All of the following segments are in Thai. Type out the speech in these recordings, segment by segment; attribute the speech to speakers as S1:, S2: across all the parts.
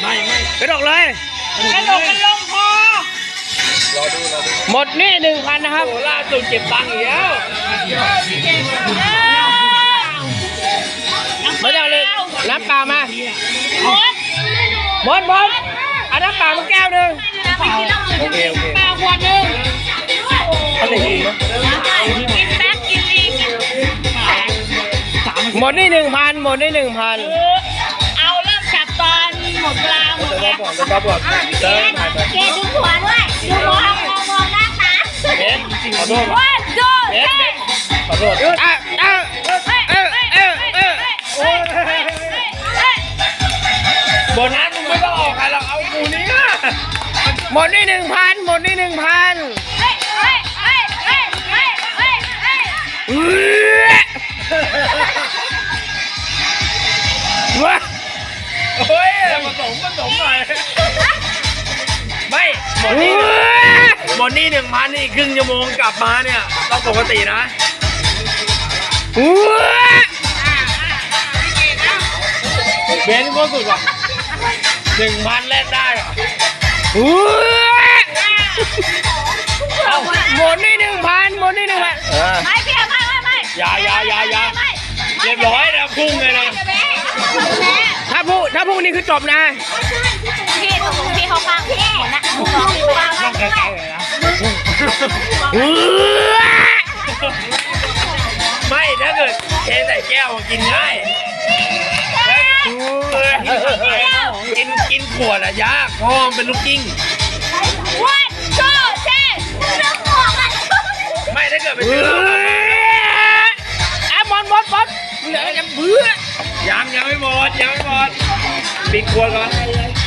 S1: ไม่
S2: กระดกเลย
S3: กระโดดกันลงคอ
S1: รอดู
S2: หมดนี่ 1,000 นะครับ
S1: โอ้ล่าสุดเก็บตังค์อีกแล้ว
S2: ไม่ต้องเลยน้ำเปล่ามาหมดเอาน้ำเปล่ามาแก้วหนึ่ง
S1: โอเค
S3: เปล่าขวดหนึ่ง
S1: เขาจะกินไหม
S3: กินแป๊กกินอีก
S2: หมดนี่ 1,000 หมดนี่ 1,000
S3: เอาเริ่มจับตอนหมดเวลาหมดแล้ว
S1: บอกเดินถ่ายไป
S3: เกดูหัวด้วยดูมองหน้าตา
S1: เบสขอโทษ
S3: วันดู
S1: เบสขอโทษโบนัสมึงไม่ต้องออกใครหรอกเอากูนี่
S2: หมดนี่ 1,000 หมดนี่ 1,000ว้า
S1: เฮ้ยผสมหน่อยไม่หมดนี่1,000นี่ครึ่งชั่วโมงกลับมาเนี่ยต้องปกตินะเบนก็สุดว่ะ1,000แลกได้เหรอ
S2: หมดนี่ 1,000 หมดนี่ 1,000
S3: ไม่เพียไม่
S1: อย่าเรียบร้อยนะพุ่งเลยนะ
S2: ถ้าพูดนี่คือจบนะ
S3: พี่เขาฟังพี่นะพี่ฟัง
S1: ต้องไกลๆเลยนะไม่ถ้าเกิดเทใส่แก้วกินง่ายกินขวดอะยากเพราะมันเป็นลูกกิ้ง
S3: วันโซ่เช่น้ำหอมอ่ะ
S1: ไม่ถ้าเกิดไปซื้อ
S2: หมดเหลือจะเบื่อ
S1: ยังไม่หมดปิดขวดก่อน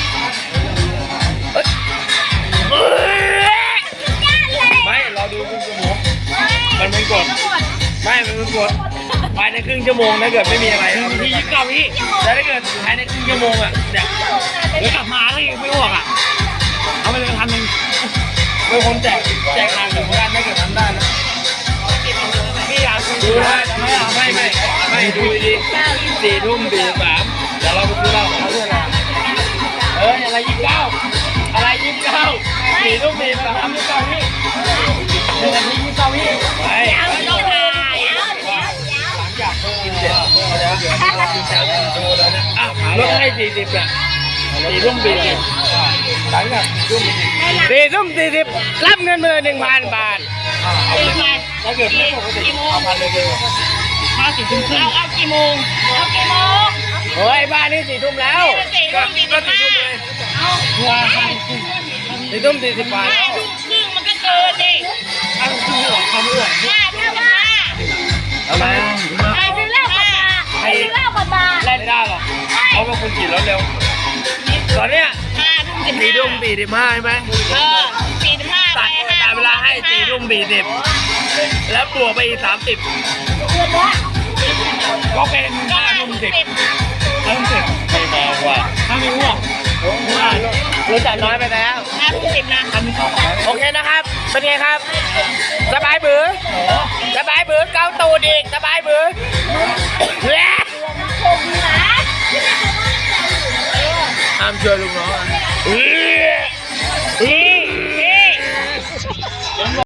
S1: ไม่รอดูครึ่งชั่วโมงมันเป็นกฎไม่มันเป็นกฎภายในครึ่งชั่วโมงถ้าเกิดไม่มีอะไรพี่ยิบกับพี่แต่ถ้าเกิดภายในครึ่งชั่วโมงอ่ะเนี่ยเดี๋ยวกลับมาแล้วยังไม่อ้วกอ่ะเอาไปเลย1,000เป็นคนแจกงานถึงกันถ้าเกิดทำได้นะพี่อยากดูได้ไม่ดูดี4 ทุ่ม 43เดี๋ยวเราไปซื้อเหล้าเขาเรื่องอะไร29อะไร4 ทุ่ม 43นี่ก่อนพี่1 นาที29พี่ไป
S3: ต้องถ่าย
S1: กินเสร็จแล้วกินเสร็จแล้วดูแล้วนะลดให้40อ่ะ4 ทุ่ม 40หลังจาก4 ทุ่ม
S2: 4 ทุ่ม 40รับเงินมาเลย 1,000 บาท
S1: ถ้าเกิดไม่ปกติเอา1,000เลย4 ทุ่มครึ่ง
S3: เอากี่โมง
S2: เฮ้ยบ้านนี่4 ทุ่มแล้ว
S1: ก็4 ทุ่มเลย
S2: 4 ทุ่ม 40 บาท
S3: 5 ทุ่มครึ่งมันก็เกินดิ
S1: 5 ทุ่มครึ่งหรอความอ้วน
S3: 5 เท่ากับ5
S2: เอามา
S3: ใครซื้อเหล้าก่อนมา
S1: ไม่ได้หรอกเขาเป็นคนขี่รถเร็วตอนเนี้ย4 ทุ่ม 45ใช่ไหม
S3: 45
S1: แต่เวลาให้4 ทุ่ม 40แล้วบวกไปอีก30ก็เป็น5 ทุ่ม 10ไม่มากว่าถ้าไม่อ้วก
S2: รู้จักน้อยไปแล้ว
S3: 5 ทุ่ม 10นะ
S2: โอเคนะครับเป็นไงครับสบายบือเกาตูดอีกสบายบือ
S1: ห้ามช่วยลูกน้อง